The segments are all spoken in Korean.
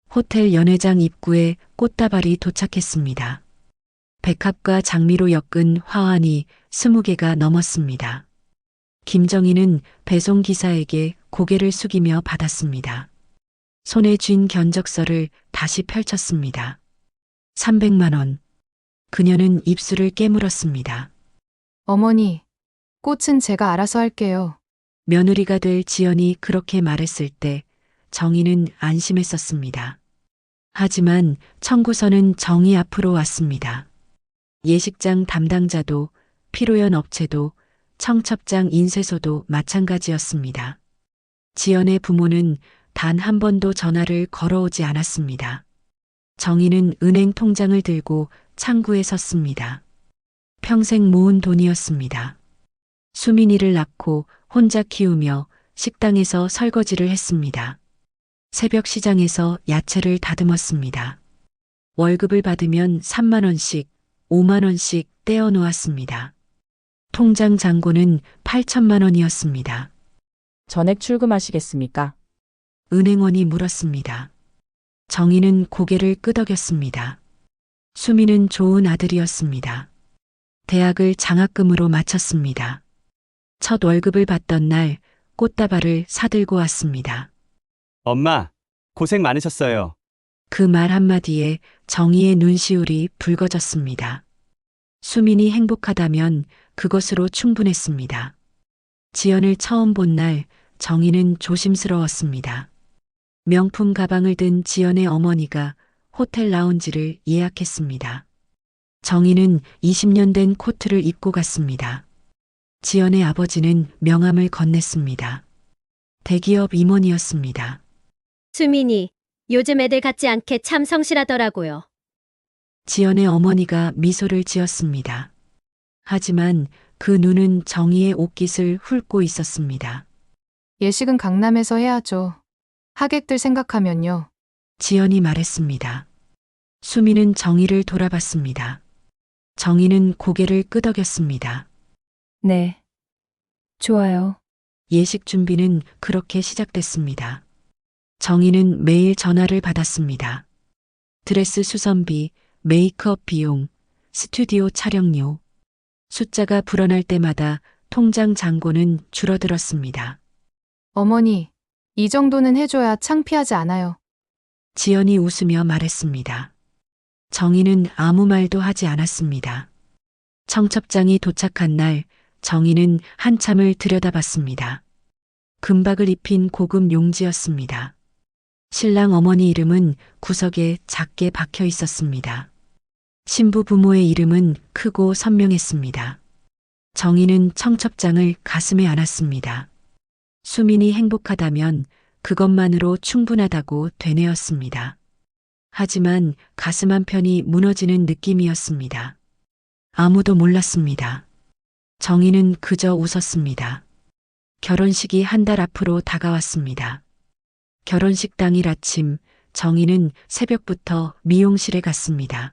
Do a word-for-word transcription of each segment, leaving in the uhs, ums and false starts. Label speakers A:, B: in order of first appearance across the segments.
A: 호텔 연회장 입구에 꽃다발이 도착했습니다. 백합과 장미로 엮은 화환이 스무 개가 넘었습니다. 김정희는 배송기사에게 고개를 숙이며 받았습니다. 손에 쥔 견적서를 다시 펼쳤습니다. 삼백만 원. 그녀는 입술을 깨물었습니다.
B: 어머니, 꽃은 제가 알아서 할게요.
A: 며느리가 될 지연이 그렇게 말했을 때 정희는 안심했었습니다. 하지만 청구서는 정희 앞으로 왔습니다. 예식장 담당자도 피로연 업체도 청첩장 인쇄소도 마찬가지였습니다. 지연의 부모는 단 한 번도 전화를 걸어오지 않았습니다. 정희는 은행 통장을 들고 창구에 섰습니다. 평생 모은 돈이었습니다. 수민이를 낳고 혼자 키우며 식당에서 설거지를 했습니다. 새벽 시장에서 야채를 다듬었습니다. 월급을 받으면 삼만 원씩, 오만 원씩 떼어 놓았습니다. 통장 잔고는 팔천만 원이었습니다.
C: 전액 출금하시겠습니까?
A: 은행원이 물었습니다. 정희는 고개를 끄덕였습니다. 수미는 좋은 아들이었습니다. 대학을 장학금으로 마쳤습니다. 첫 월급을 받던 날 꽃다발을 사들고 왔습니다.
D: 엄마, 고생 많으셨어요.
A: 그 말 한마디에 정희의 눈시울이 붉어졌습니다. 수민이 행복하다면 그것으로 충분했습니다. 지연을 처음 본 날 정희는 조심스러웠습니다. 명품 가방을 든 지연의 어머니가 호텔 라운지를 예약했습니다. 정희는 이십 년 된 코트를 입고 갔습니다. 지연의 아버지는 명함을 건넸습니다. 대기업 임원이었습니다.
E: 수민이 요즘 애들 같지 않게 참 성실하더라고요.
A: 지연의 어머니가 미소를 지었습니다. 하지만 그 눈은 정희의 옷깃을 훑고 있었습니다.
B: 예식은 강남에서 해야죠. 하객들 생각하면요.
A: 지연이 말했습니다. 수미는 정희를 돌아봤습니다. 정희는 고개를 끄덕였습니다.
F: 네. 좋아요.
A: 예식 준비는 그렇게 시작됐습니다. 정희는 매일 전화를 받았습니다. 드레스 수선비, 메이크업 비용, 스튜디오 촬영료. 숫자가 불어날 때마다 통장 잔고는 줄어들었습니다.
B: 어머니, 이 정도는 해줘야 창피하지 않아요.
A: 지연이 웃으며 말했습니다. 정희는 아무 말도 하지 않았습니다. 청첩장이 도착한 날 정희는 한참을 들여다봤습니다. 금박을 입힌 고급 용지였습니다. 신랑 어머니 이름은 구석에 작게 박혀 있었습니다. 신부 부모의 이름은 크고 선명했습니다. 정희는 청첩장을 가슴에 안았습니다. 수민이 행복하다면 그것만으로 충분하다고 되뇌었습니다. 하지만 가슴 한편이 무너지는 느낌이었습니다. 아무도 몰랐습니다. 정희는 그저 웃었습니다. 결혼식이 한 달 앞으로 다가왔습니다. 결혼식 당일 아침 정희는 새벽부터 미용실에 갔습니다.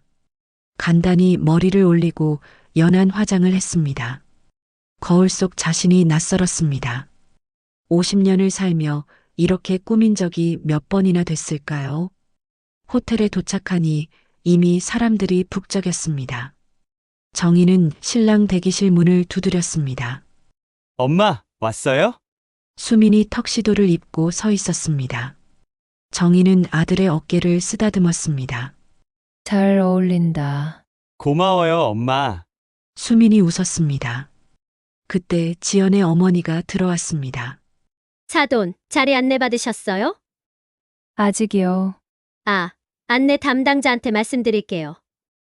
A: 간단히 머리를 올리고 연한 화장을 했습니다. 거울 속 자신이 낯설었습니다. 오십 년을 살며 이렇게 꾸민 적이 몇 번이나 됐을까요? 호텔에 도착하니 이미 사람들이 북적였습니다. 정희는 신랑 대기실 문을 두드렸습니다.
D: 엄마, 왔어요?
A: 수민이 턱시도를 입고 서 있었습니다. 정희는 아들의 어깨를 쓰다듬었습니다.
F: 잘 어울린다.
D: 고마워요, 엄마.
A: 수민이 웃었습니다. 그때 지연의 어머니가 들어왔습니다.
E: 사돈, 자리 안내 받으셨어요?
F: 아직이요.
E: 아, 안내 담당자한테 말씀드릴게요.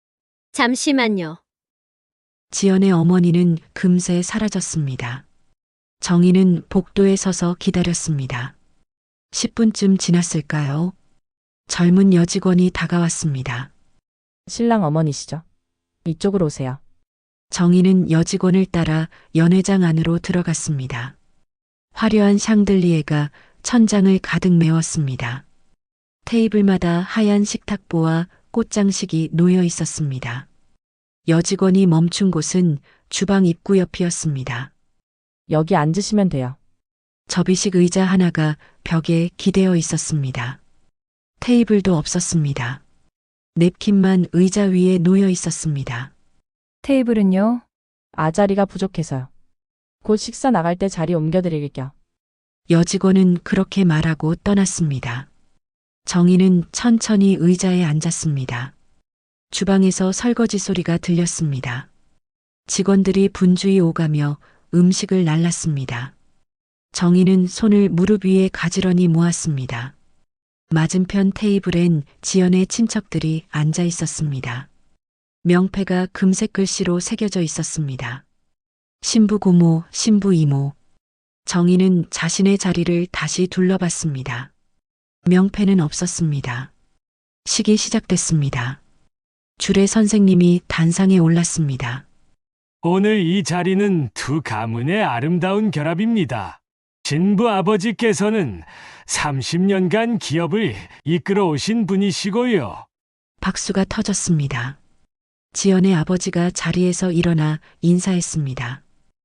E: 잠시만요.
A: 지연의 어머니는 금세 사라졌습니다. 정희는 복도에 서서 기다렸습니다. 십 분쯤 지났을까요? 젊은 여직원이 다가왔습니다.
C: 신랑 어머니시죠? 이쪽으로 오세요.
A: 정희는 여직원을 따라 연회장 안으로 들어갔습니다. 화려한 샹들리에가 천장을 가득 메웠습니다. 테이블마다 하얀 식탁보와 꽃장식이 놓여 있었습니다. 여직원이 멈춘 곳은 주방 입구 옆이었습니다.
C: 여기 앉으시면 돼요.
A: 접이식 의자 하나가 벽에 기대어 있었습니다. 테이블도 없었습니다. 냅킨만 의자 위에 놓여 있었습니다.
F: 테이블은요?
C: 아 자리가 부족해서요. 곧 식사 나갈 때 자리 옮겨드릴게요.
A: 여직원은 그렇게 말하고 떠났습니다. 정희는 천천히 의자에 앉았습니다. 주방에서 설거지 소리가 들렸습니다. 직원들이 분주히 오가며 음식을 날랐습니다. 정희는 손을 무릎 위에 가지런히 모았습니다. 맞은편 테이블엔 지연의 친척들이 앉아 있었습니다. 명패가 금색 글씨로 새겨져 있었습니다. 신부 고모, 신부 이모. 정희는 자신의 자리를 다시 둘러봤습니다. 명패는 없었습니다. 식이 시작됐습니다. 주례 선생님이 단상에 올랐습니다.
G: 오늘 이 자리는 두 가문의 아름다운 결합입니다. 신부 아버지께서는 삼십 년간 기업을 이끌어 오신 분이시고요.
A: 박수가 터졌습니다. 지연의 아버지가 자리에서 일어나 인사했습니다.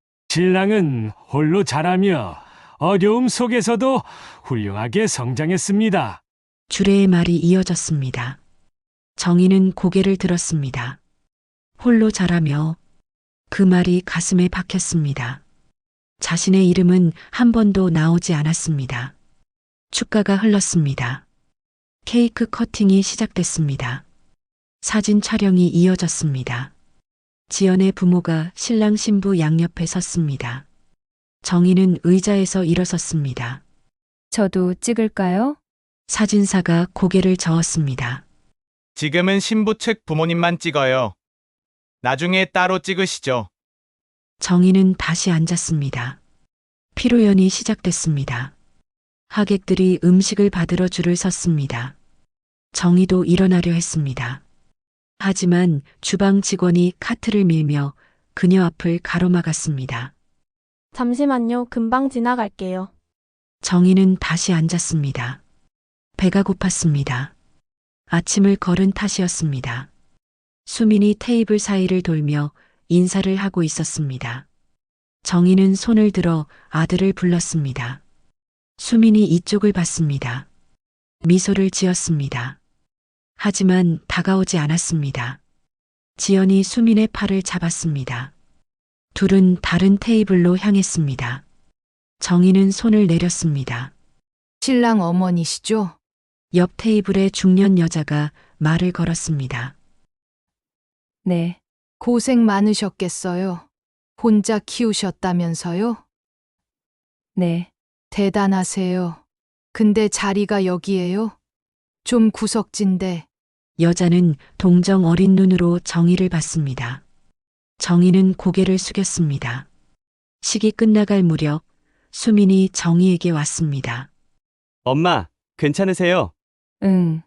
G: 신랑은 홀로 자라며 어려움 속에서도 훌륭하게 성장했습니다.
A: 주례의 말이 이어졌습니다. 정희는 고개를 들었습니다. 홀로 자라며 그 말이 가슴에 박혔습니다. 자신의 이름은 한 번도 나오지 않았습니다. 축가가 흘렀습니다. 케이크 커팅이 시작됐습니다. 사진 촬영이 이어졌습니다. 지연의 부모가 신랑 신부 양옆에 섰습니다. 정희는 의자에서 일어섰습니다.
F: 저도 찍을까요?
A: 사진사가 고개를 저었습니다.
H: 지금은 신부 측 부모님만 찍어요. 나중에 따로 찍으시죠.
A: 정희는 다시 앉았습니다. 피로연이 시작됐습니다. 하객들이 음식을 받으러 줄을 섰습니다. 정희도 일어나려 했습니다. 하지만 주방 직원이 카트를 밀며 그녀 앞을 가로막았습니다.
I: 잠시만요. 금방 지나갈게요.
A: 정희는 다시 앉았습니다. 배가 고팠습니다. 아침을 걸은 탓이었습니다. 수민이 테이블 사이를 돌며 인사를 하고 있었습니다. 정희는 손을 들어 아들을 불렀습니다. 수민이 이쪽을 봤습니다. 미소를 지었습니다. 하지만 다가오지 않았습니다. 지연이 수민의 팔을 잡았습니다. 둘은 다른 테이블로 향했습니다. 정희는 손을 내렸습니다.
B: 신랑 어머니시죠?
A: 옆 테이블의 중년 여자가 말을 걸었습니다.
F: 네.
B: 고생 많으셨겠어요. 혼자 키우셨다면서요?
F: 네.
B: 대단하세요. 근데 자리가 여기예요? 좀 구석진데.
A: 여자는 동정 어린 눈으로 정희를 봤습니다. 정희는 고개를 숙였습니다. 식이 끝나갈 무렵 수민이 정희에게 왔습니다.
D: 엄마, 괜찮으세요?
F: 응.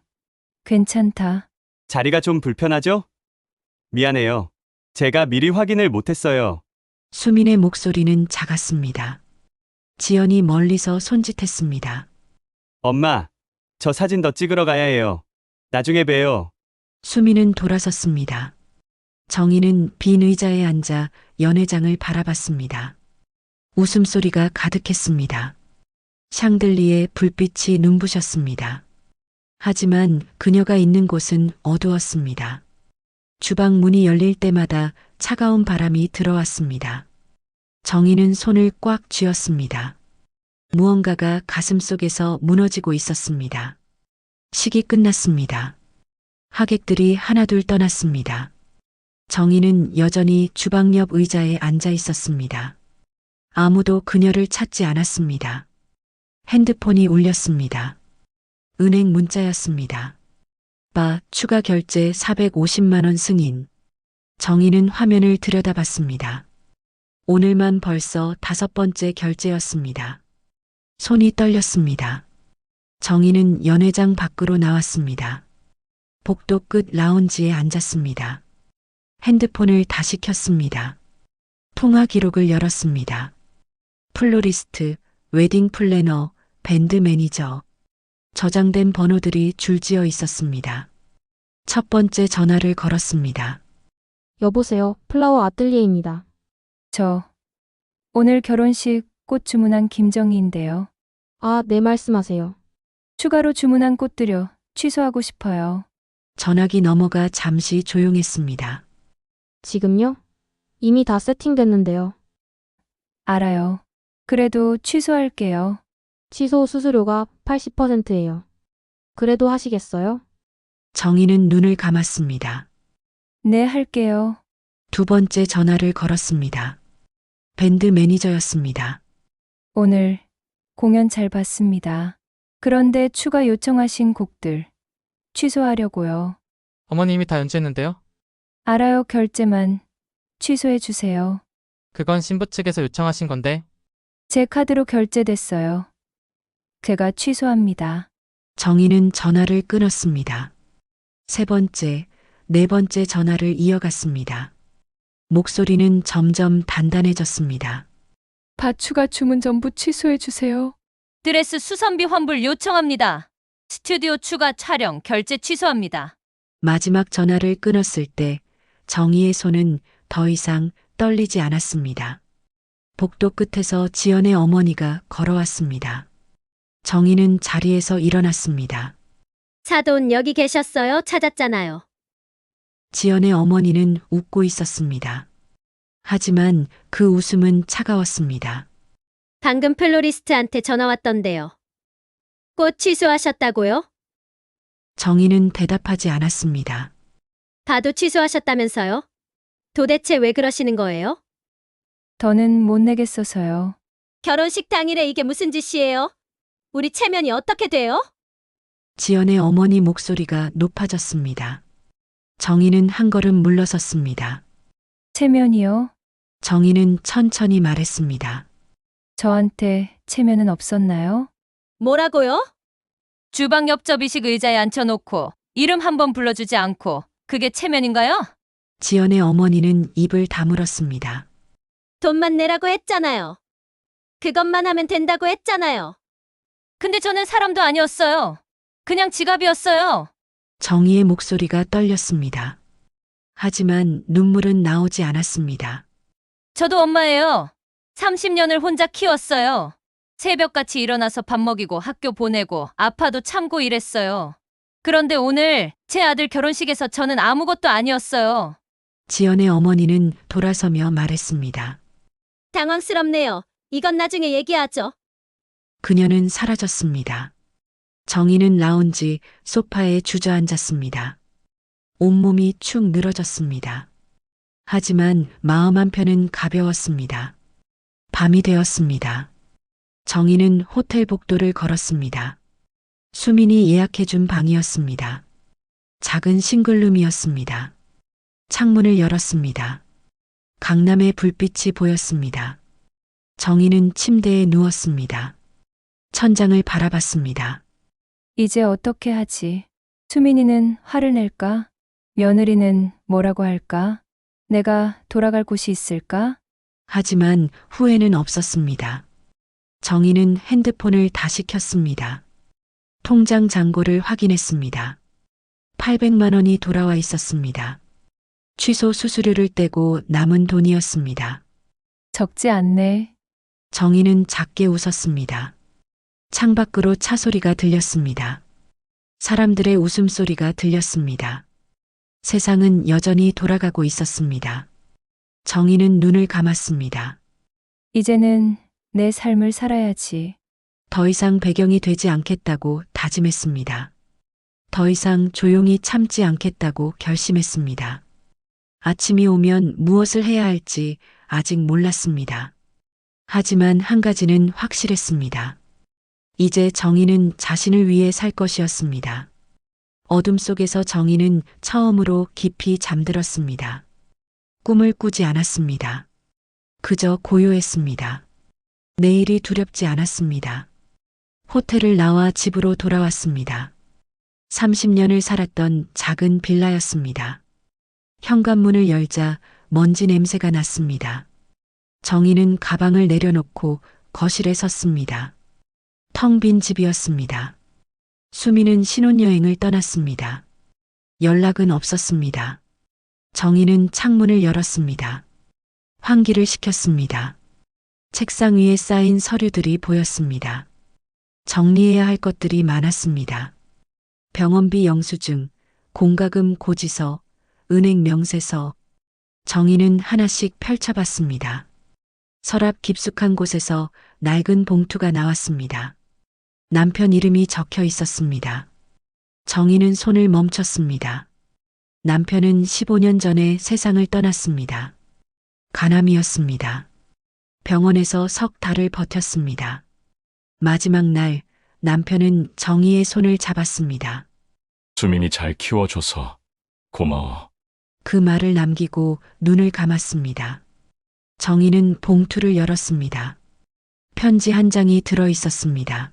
F: 괜찮다.
D: 자리가 좀 불편하죠? 미안해요. 제가 미리 확인을 못했어요.
A: 수민의 목소리는 작았습니다. 지연이 멀리서 손짓했습니다.
D: 엄마, 저 사진 더 찍으러 가야 해요. 나중에 봬요.
A: 수민은 돌아섰습니다. 정희는 빈 의자에 앉아 연회장을 바라봤습니다. 웃음소리가 가득했습니다. 샹들리에 불빛이 눈부셨습니다. 하지만 그녀가 있는 곳은 어두웠습니다. 주방 문이 열릴 때마다 차가운 바람이 들어왔습니다. 정희는 손을 꽉 쥐었습니다. 무언가가 가슴속에서 무너지고 있었습니다. 식이 끝났습니다. 하객들이 하나둘 떠났습니다. 정희는 여전히 주방 옆 의자에 앉아 있었습니다. 아무도 그녀를 찾지 않았습니다. 핸드폰이 울렸습니다. 은행 문자였습니다. 바 추가 결제 사백오십만 원 승인. 정희는 화면을 들여다봤습니다. 오늘만 벌써 다섯 번째 결제였습니다. 손이 떨렸습니다. 정희는 연회장 밖으로 나왔습니다. 복도 끝 라운지에 앉았습니다. 핸드폰을 다시 켰습니다. 통화 기록을 열었습니다. 플로리스트, 웨딩 플래너, 밴드 매니저. 저장된 번호들이 줄지어 있었습니다. 첫 번째 전화를 걸었습니다.
I: 여보세요. 플라워 아뜰리에입니다.
F: 저 오늘 결혼식 꽃 주문한 김정희인데요.
I: 아, 네 말씀하세요.
F: 추가로 주문한 꽃들요. 취소하고 싶어요.
A: 전화기 넘어가 잠시 조용했습니다.
I: 지금요? 이미 다 세팅됐는데요.
F: 알아요. 그래도 취소할게요.
I: 취소 수수료가 팔십 퍼센트예요. 그래도 하시겠어요?
A: 정희는 눈을 감았습니다.
F: 네, 할게요.
A: 두 번째 전화를 걸었습니다. 밴드 매니저였습니다.
F: 오늘 공연 잘 봤습니다. 그런데 추가 요청하신 곡들 취소하려고요.
J: 어머님이 다 연주했는데요.
F: 알아요. 결제만 취소해 주세요.
J: 그건 신부 측에서 요청하신 건데.
F: 제 카드로 결제됐어요. 제가 취소합니다.
A: 정희는 전화를 끊었습니다. 세 번째, 네 번째 전화를 이어갔습니다. 목소리는 점점 단단해졌습니다.
F: 바추가 주문 전부 취소해 주세요.
K: 드레스 수선비 환불 요청합니다. 스튜디오 추가 촬영 결제 취소합니다.
A: 마지막 전화를 끊었을 때 정희의 손은 더 이상 떨리지 않았습니다. 복도 끝에서 지연의 어머니가 걸어왔습니다. 정희는 자리에서 일어났습니다.
E: 사돈 여기 계셨어요? 찾았잖아요.
A: 지연의 어머니는 웃고 있었습니다. 하지만 그 웃음은 차가웠습니다.
E: 방금 플로리스트한테 전화 왔던데요. 꽃 취소하셨다고요?
A: 정희는 대답하지 않았습니다.
E: 봐도 취소하셨다면서요? 도대체 왜 그러시는 거예요?
F: 더는 못 내겠어서요.
E: 결혼식 당일에 이게 무슨 짓이에요? 우리 체면이 어떻게 돼요?
A: 지연의 어머니 목소리가 높아졌습니다. 정희는 한 걸음 물러섰습니다.
F: 체면이요?
A: 정희는 천천히 말했습니다.
F: 저한테 체면은 없었나요?
K: 뭐라고요? 주방 옆 접이식 의자에 앉혀놓고 이름 한 번 불러주지 않고 그게 체면인가요?
A: 지연의 어머니는 입을 다물었습니다.
E: 돈만 내라고 했잖아요. 그것만 하면 된다고 했잖아요.
K: 근데 저는 사람도 아니었어요. 그냥 지갑이었어요.
A: 정희의 목소리가 떨렸습니다. 하지만 눈물은 나오지 않았습니다.
K: 저도 엄마예요. 삼십 년을 혼자 키웠어요. 새벽같이 일어나서 밥 먹이고 학교 보내고 아파도 참고 일했어요. 그런데 오늘 제 아들 결혼식에서 저는 아무것도 아니었어요.
A: 지연의 어머니는 돌아서며 말했습니다.
E: 당황스럽네요. 이건 나중에 얘기하죠.
A: 그녀는 사라졌습니다. 정희는 라운지 소파에 주저앉았습니다. 온몸이 축 늘어졌습니다. 하지만 마음 한편은 가벼웠습니다. 밤이 되었습니다. 정희는 호텔 복도를 걸었습니다. 수민이 예약해준 방이었습니다. 작은 싱글룸이었습니다. 창문을 열었습니다. 강남의 불빛이 보였습니다. 정희는 침대에 누웠습니다. 천장을 바라봤습니다.
F: 이제 어떻게 하지? 수민이는 화를 낼까? 며느리는 뭐라고 할까? 내가 돌아갈 곳이 있을까?
A: 하지만 후회는 없었습니다. 정희는 핸드폰을 다시 켰습니다. 통장 잔고를 확인했습니다. 팔백만 원이 돌아와 있었습니다. 취소 수수료를 떼고 남은 돈이었습니다.
F: 적지 않네.
A: 정희는 작게 웃었습니다. 창밖으로 차 소리가 들렸습니다. 사람들의 웃음소리가 들렸습니다. 세상은 여전히 돌아가고 있었습니다. 정희는 눈을 감았습니다.
F: 이제는 내 삶을 살아야지.
A: 더 이상 배경이 되지 않겠다고 다짐했습니다. 더 이상 조용히 참지 않겠다고 결심했습니다. 아침이 오면 무엇을 해야 할지 아직 몰랐습니다. 하지만 한 가지는 확실했습니다. 이제 정희는 자신을 위해 살 것이었습니다. 어둠 속에서 정희는 처음으로 깊이 잠들었습니다. 꿈을 꾸지 않았습니다. 그저 고요했습니다. 내일이 두렵지 않았습니다. 호텔을 나와 집으로 돌아왔습니다. 삼십 년을 살았던 작은 빌라였습니다. 현관문을 열자 먼지 냄새가 났습니다. 정희는 가방을 내려놓고 거실에 섰습니다. 텅 빈 집이었습니다. 수미는 신혼여행을 떠났습니다. 연락은 없었습니다. 정희는 창문을 열었습니다. 환기를 시켰습니다. 책상 위에 쌓인 서류들이 보였습니다. 정리해야 할 것들이 많았습니다. 병원비 영수증, 공과금 고지서, 은행 명세서. 정희는 하나씩 펼쳐봤습니다. 서랍 깊숙한 곳에서 낡은 봉투가 나왔습니다. 남편 이름이 적혀 있었습니다. 정희는 손을 멈췄습니다. 남편은 십오 년 전에 세상을 떠났습니다. 간암이었습니다. 병원에서 석 달을 버텼습니다. 마지막 날 남편은 정희의 손을 잡았습니다.
L: 수민이 잘 키워줘서 고마워.
A: 그 말을 남기고 눈을 감았습니다. 정희는 봉투를 열었습니다. 편지 한 장이 들어 있었습니다.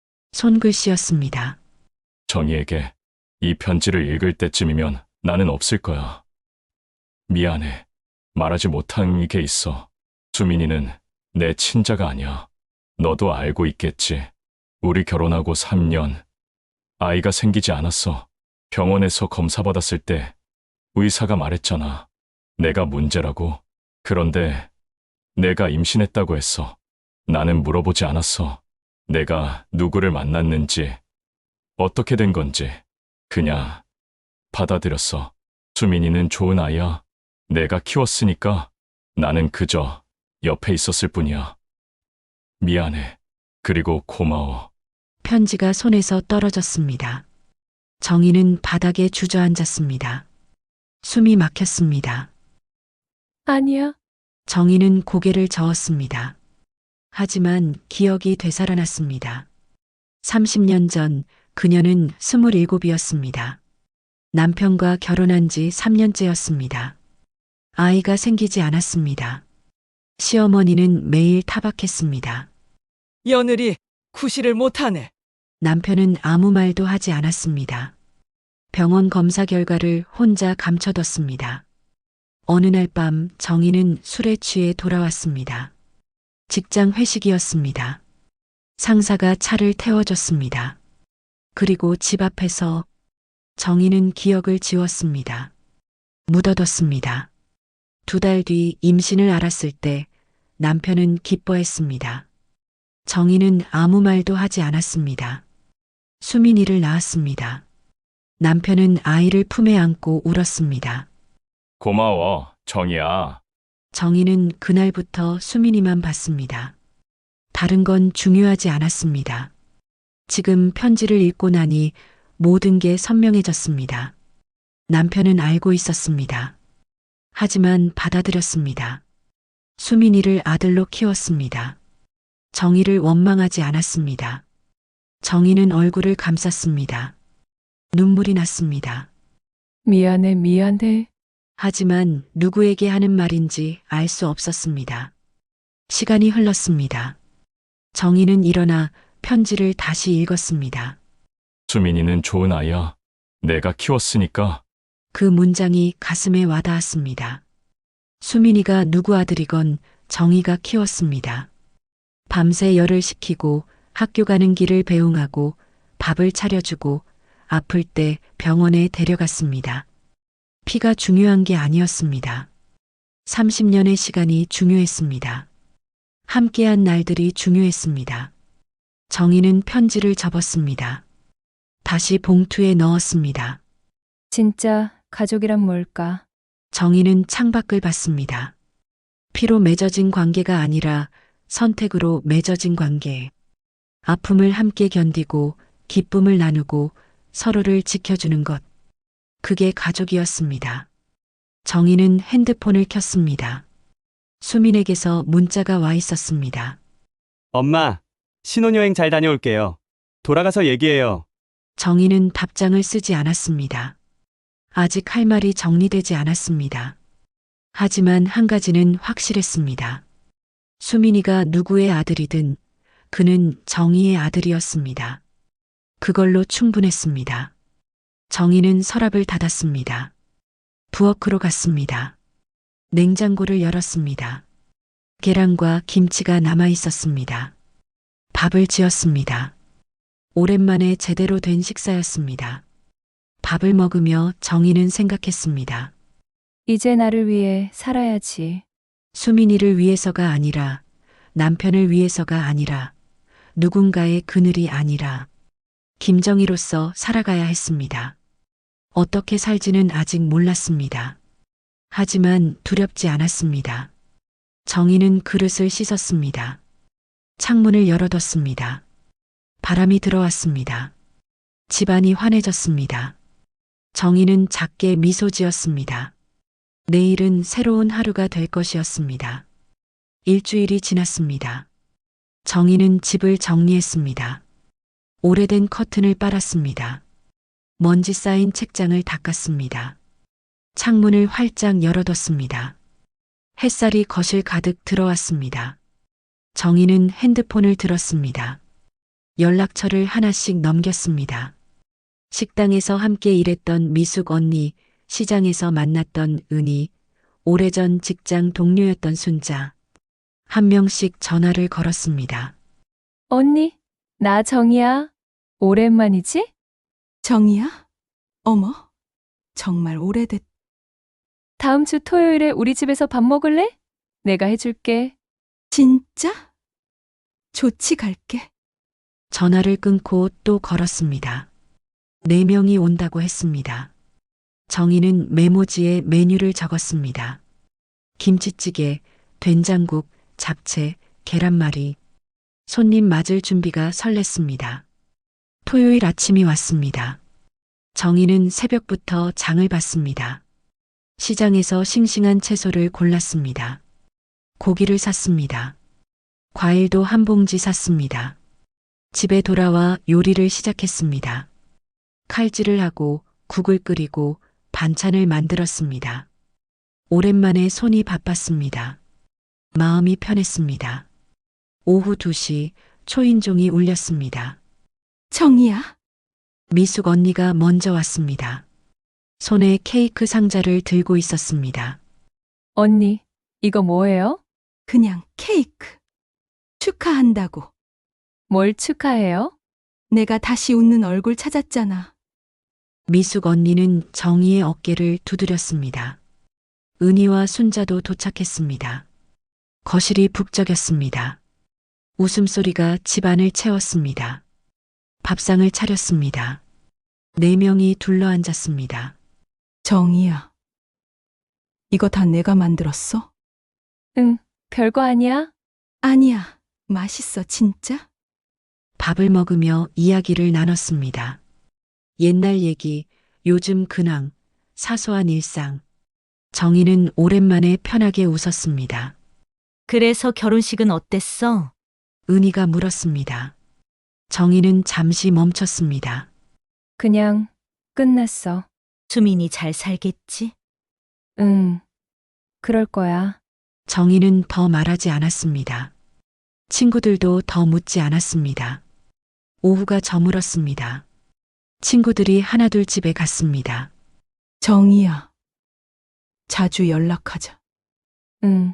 A: 손글씨였습니다.
L: 정희에게 이 편지를 읽을 때쯤이면 나는 없을 거야. 미안해. 말하지 못한 게 있어. 수민이는 내 친자가 아니야. 너도 알고 있겠지. 우리 결혼하고 삼 년. 아이가 생기지 않았어. 병원에서 검사 받았을 때 의사가 말했잖아. 내가 문제라고. 그런데 내가 임신했다고 했어. 나는 물어보지 않았어. 내가 누구를 만났는지, 어떻게 된 건지. 그냥 받아들였어. 수민이는 좋은 아이야. 내가 키웠으니까 나는 그저 옆에 있었을 뿐이야. 미안해. 그리고 고마워.
A: 편지가 손에서 떨어졌습니다. 정희는 바닥에 주저앉았습니다. 숨이 막혔습니다.
F: 아니야.
A: 정희는 고개를 저었습니다. 하지만 기억이 되살아났습니다. 삼십 년 전 그녀는 스물일곱이었습니다. 남편과 결혼한 지 삼 년째였습니다. 아이가 생기지 않았습니다. 시어머니는 매일 타박했습니다.
M: 며느리 구실을 못하네.
A: 남편은 아무 말도 하지 않았습니다. 병원 검사 결과를 혼자 감춰뒀습니다. 어느 날 밤 정희는 술에 취해 돌아왔습니다. 직장 회식이었습니다. 상사가 차를 태워줬습니다. 그리고 집 앞에서 정희는 기억을 지웠습니다. 묻어뒀습니다. 두 달 뒤 임신을 알았을 때 남편은 기뻐했습니다. 정희는 아무 말도 하지 않았습니다. 수민이를 낳았습니다. 남편은 아이를 품에 안고 울었습니다.
L: 고마워, 정희야.
A: 정희는 그날부터 수민이만 봤습니다. 다른 건 중요하지 않았습니다. 지금 편지를 읽고 나니 모든 게 선명해졌습니다. 남편은 알고 있었습니다. 하지만 받아들였습니다. 수민이를 아들로 키웠습니다. 정희를 원망하지 않았습니다. 정희는 얼굴을 감쌌습니다. 눈물이 났습니다.
F: 미안해, 미안해.
A: 하지만 누구에게 하는 말인지 알 수 없었습니다. 시간이 흘렀습니다. 정희는 일어나 편지를 다시 읽었습니다.
L: 수민이는 좋은 아이야. 내가 키웠으니까.
A: 그 문장이 가슴에 와닿았습니다. 수민이가 누구 아들이건 정희가 키웠습니다. 밤새 열을 식히고 학교 가는 길을 배웅하고 밥을 차려주고 아플 때 병원에 데려갔습니다. 피가 중요한 게 아니었습니다. 삼십 년의 시간이 중요했습니다. 함께한 날들이 중요했습니다. 정희는 편지를 접었습니다. 다시 봉투에 넣었습니다.
F: 진짜 가족이란 뭘까?
A: 정희는 창밖을 봤습니다. 피로 맺어진 관계가 아니라 선택으로 맺어진 관계. 아픔을 함께 견디고 기쁨을 나누고 서로를 지켜주는 것. 그게 가족이었습니다. 정희는 핸드폰을 켰습니다. 수민에게서 문자가 와 있었습니다.
D: 엄마, 신혼여행 잘 다녀올게요. 돌아가서 얘기해요.
A: 정희는 답장을 쓰지 않았습니다. 아직 할 말이 정리되지 않았습니다. 하지만 한 가지는 확실했습니다. 수민이가 누구의 아들이든 그는 정희의 아들이었습니다. 그걸로 충분했습니다. 정희는 서랍을 닫았습니다. 부엌으로 갔습니다. 냉장고를 열었습니다. 계란과 김치가 남아 있었습니다. 밥을 지었습니다. 오랜만에 제대로 된 식사였습니다. 밥을 먹으며 정희는 생각했습니다.
F: 이제 나를 위해 살아야지.
A: 수민이를 위해서가 아니라, 남편을 위해서가 아니라, 누군가의 그늘이 아니라, 김정희로서 살아가야 했습니다. 어떻게 살지는 아직 몰랐습니다. 하지만 두렵지 않았습니다. 정희는 그릇을 씻었습니다. 창문을 열어뒀습니다. 바람이 들어왔습니다. 집안이 환해졌습니다. 정희는 작게 미소 지었습니다. 내일은 새로운 하루가 될 것이었습니다. 일주일이 지났습니다. 정희는 집을 정리했습니다. 오래된 커튼을 빨았습니다. 먼지 쌓인 책장을 닦았습니다. 창문을 활짝 열어뒀습니다. 햇살이 거실 가득 들어왔습니다. 정희는 핸드폰을 들었습니다. 연락처를 하나씩 넘겼습니다. 식당에서 함께 일했던 미숙 언니, 시장에서 만났던 은희, 오래전 직장 동료였던 순자. 한 명씩 전화를 걸었습니다.
F: 언니, 나 정이야. 오랜만이지?
N: 정이야? 어머, 정말 오래됐.
F: 다음 주 토요일에 우리 집에서 밥 먹을래? 내가 해줄게.
N: 진짜? 좋지, 갈게.
A: 전화를 끊고 또 걸었습니다. 네 명이 온다고 했습니다. 정희는 메모지에 메뉴를 적었습니다. 김치찌개, 된장국, 잡채, 계란말이. 손님 맞을 준비가 설렜습니다. 토요일 아침이 왔습니다. 정희는 새벽부터 장을 봤습니다. 시장에서 싱싱한 채소를 골랐습니다. 고기를 샀습니다. 과일도 한 봉지 샀습니다. 집에 돌아와 요리를 시작했습니다. 칼질을 하고 국을 끓이고 반찬을 만들었습니다. 오랜만에 손이 바빴습니다. 마음이 편했습니다. 오후 두 시 초인종이 울렸습니다.
N: 정이야?
A: 미숙 언니가 먼저 왔습니다. 손에 케이크 상자를 들고 있었습니다.
F: 언니, 이거 뭐예요?
N: 그냥 케이크. 축하한다고.
F: 뭘 축하해요?
N: 내가 다시 웃는 얼굴 찾았잖아.
A: 미숙 언니는 정희의 어깨를 두드렸습니다. 은희와 순자도 도착했습니다. 거실이 북적였습니다. 웃음소리가 집안을 채웠습니다. 밥상을 차렸습니다. 네 명이 둘러앉았습니다.
N: 정이야. 이거 다 내가 만들었어?
F: 응, 별거 아니야.
N: 아니야. 맛있어, 진짜?
A: 밥을 먹으며 이야기를 나눴습니다. 옛날 얘기, 요즘 근황, 사소한 일상. 정희는 오랜만에 편하게 웃었습니다.
K: 그래서 결혼식은 어땠어?
A: 은희가 물었습니다. 정희는 잠시 멈췄습니다.
F: 그냥 끝났어.
K: 수민이 잘 살겠지?
F: 응, 그럴 거야.
A: 정희는 더 말하지 않았습니다. 친구들도 더 묻지 않았습니다. 오후가 저물었습니다. 친구들이 하나둘 집에 갔습니다.
N: 정이야. 자주 연락하자.
F: 응.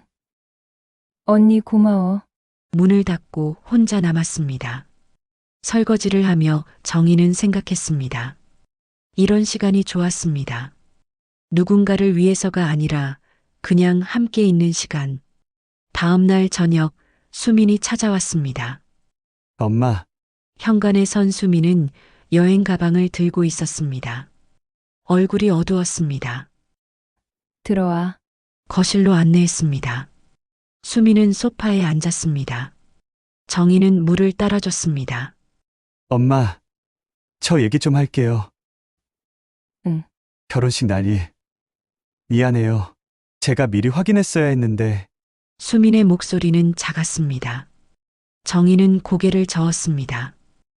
F: 언니 고마워.
A: 문을 닫고 혼자 남았습니다. 설거지를 하며 정희는 생각했습니다. 이런 시간이 좋았습니다. 누군가를 위해서가 아니라 그냥 함께 있는 시간. 다음 날 저녁 수민이 찾아왔습니다.
D: 엄마,
A: 현관에 선 수민은 여행 가방을 들고 있었습니다. 얼굴이 어두웠습니다.
F: 들어와.
A: 거실로 안내했습니다. 수민은 소파에 앉았습니다. 정희는 물을 따라줬습니다.
D: 엄마, 저 얘기 좀 할게요.
F: 응.
D: 결혼식 날이. 미안해요. 제가 미리 확인했어야 했는데.
A: 수민의 목소리는 작았습니다. 정희는 고개를 저었습니다.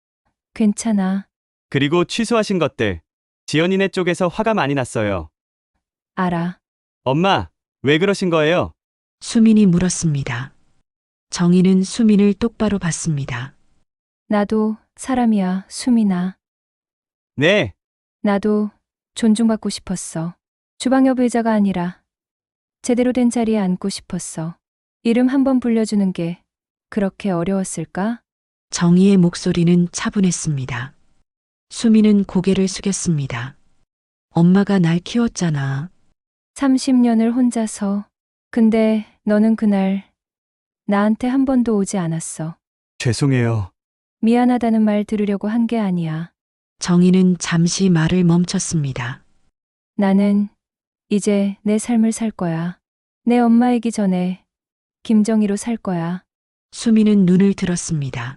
F: 괜찮아.
D: 그리고 취소하신 것들. 지연이네 쪽에서 화가 많이 났어요.
F: 알아.
D: 엄마, 왜 그러신 거예요?
A: 수민이 물었습니다. 정희는 수민을 똑바로 봤습니다.
F: 나도 사람이야, 수민아.
D: 네.
F: 나도 존중받고 싶었어. 주방옆 의자가 아니라 제대로 된 자리에 앉고 싶었어. 이름 한번 불려주는 게 그렇게 어려웠을까?
A: 정희의 목소리는 차분했습니다. 수민은 고개를 숙였습니다. 엄마가 날 키웠잖아.
F: 삼십 년을 혼자서. 근데 너는 그날 나한테 한 번도 오지 않았어.
D: 죄송해요.
F: 미안하다는 말 들으려고 한 게 아니야.
A: 정희는 잠시 말을 멈췄습니다.
F: 나는 이제 내 삶을 살 거야. 내 엄마이기 전에 김정희로 살 거야.
A: 수미는 눈을 들었습니다.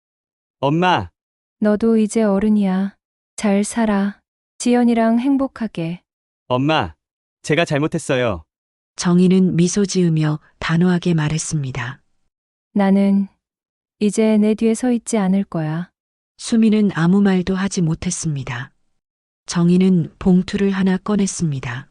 D: 엄마,
F: 너도 이제 어른이야. 잘 살아. 지연이랑 행복하게.
D: 엄마, 제가 잘못했어요.
A: 정희는 미소 지으며 단호하게 말했습니다.
F: 나는 이제 내 뒤에 서 있지 않을 거야.
A: 수미는 아무 말도 하지 못했습니다. 정희는 봉투를 하나 꺼냈습니다.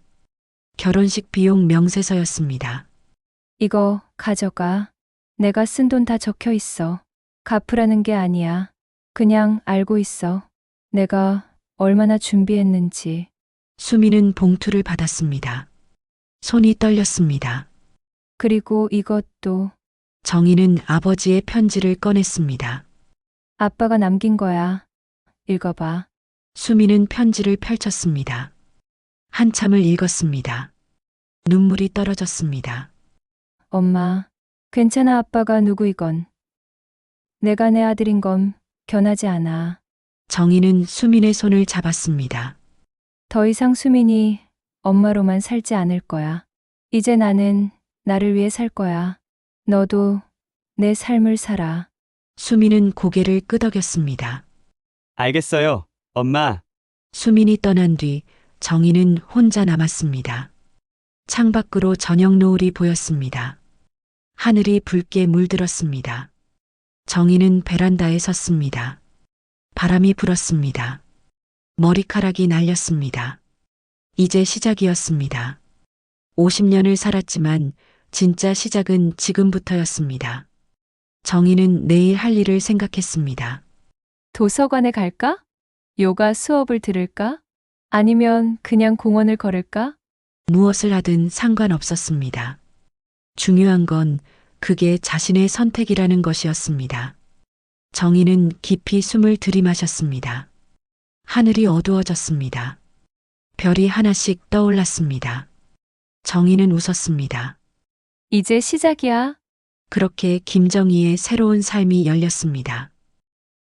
A: 결혼식 비용 명세서였습니다.
F: 이거 가져가. 내가 쓴 돈 다 적혀 있어. 갚으라는 게 아니야. 그냥 알고 있어. 내가 얼마나 준비했는지.
A: 수미는 봉투를 받았습니다. 손이 떨렸습니다.
F: 그리고 이것도
A: 정희는 아버지의 편지를 꺼냈습니다.
F: 아빠가 남긴 거야. 읽어봐.
A: 수미는 편지를 펼쳤습니다. 한참을 읽었습니다. 눈물이 떨어졌습니다.
F: 엄마, 괜찮아. 아빠가 누구이건. 내가 내 아들인 건 변하지 않아.
A: 정희는 수민의 손을 잡았습니다.
F: 더 이상 수민이 엄마로만 살지 않을 거야. 이제 나는 나를 위해 살 거야. 너도 내 삶을 살아.
A: 수민은 고개를 끄덕였습니다.
D: 알겠어요, 엄마.
A: 수민이 떠난 뒤 정희는 혼자 남았습니다. 창밖으로 저녁 노을이 보였습니다. 하늘이 붉게 물들었습니다. 정희는 베란다에 섰습니다. 바람이 불었습니다. 머리카락이 날렸습니다. 이제 시작이었습니다. 오십 년을 살았지만 진짜 시작은 지금부터였습니다. 정희는 내일 할 일을 생각했습니다.
F: 도서관에 갈까? 요가 수업을 들을까? 아니면 그냥 공원을 걸을까?
A: 무엇을 하든 상관없었습니다. 중요한 건 그게 자신의 선택이라는 것이었습니다. 정희는 깊이 숨을 들이마셨습니다. 하늘이 어두워졌습니다. 별이 하나씩 떠올랐습니다. 정희는 웃었습니다.
F: 이제 시작이야.
A: 그렇게 김정희의 새로운 삶이 열렸습니다.